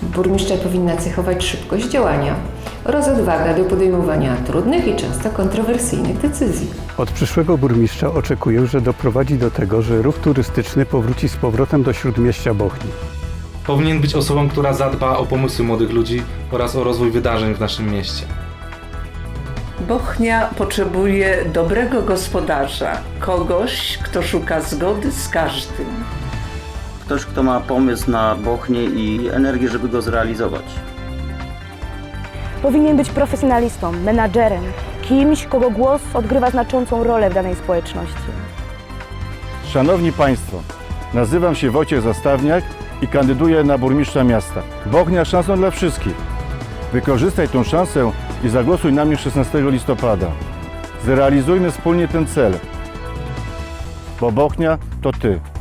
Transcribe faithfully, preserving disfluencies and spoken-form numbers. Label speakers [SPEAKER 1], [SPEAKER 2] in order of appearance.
[SPEAKER 1] Burmistrza powinna cechować szybkość działania oraz odwaga do podejmowania trudnych i często kontrowersyjnych decyzji.
[SPEAKER 2] Od przyszłego burmistrza oczekuję, że doprowadzi do tego, że ruch turystyczny powróci z powrotem do śródmieścia Bochni.
[SPEAKER 3] Powinien być osobą, która zadba o pomysły młodych ludzi oraz o rozwój wydarzeń w naszym mieście.
[SPEAKER 4] Bochnia potrzebuje dobrego gospodarza, kogoś, kto szuka zgody z każdym.
[SPEAKER 5] Ktoś, kto ma pomysł na Bochnię i energię, żeby go zrealizować.
[SPEAKER 6] Powinien być profesjonalistą, menadżerem, kimś, kogo głos odgrywa znaczącą rolę w danej społeczności.
[SPEAKER 7] Szanowni Państwo, nazywam się Wojciech Zastawniak i kandyduję na burmistrza miasta. Bochnia szansą dla wszystkich. Wykorzystaj tę szansę i zagłosuj na mnie szesnastego listopada. Zrealizujmy wspólnie ten cel, bo Bochnia to Ty.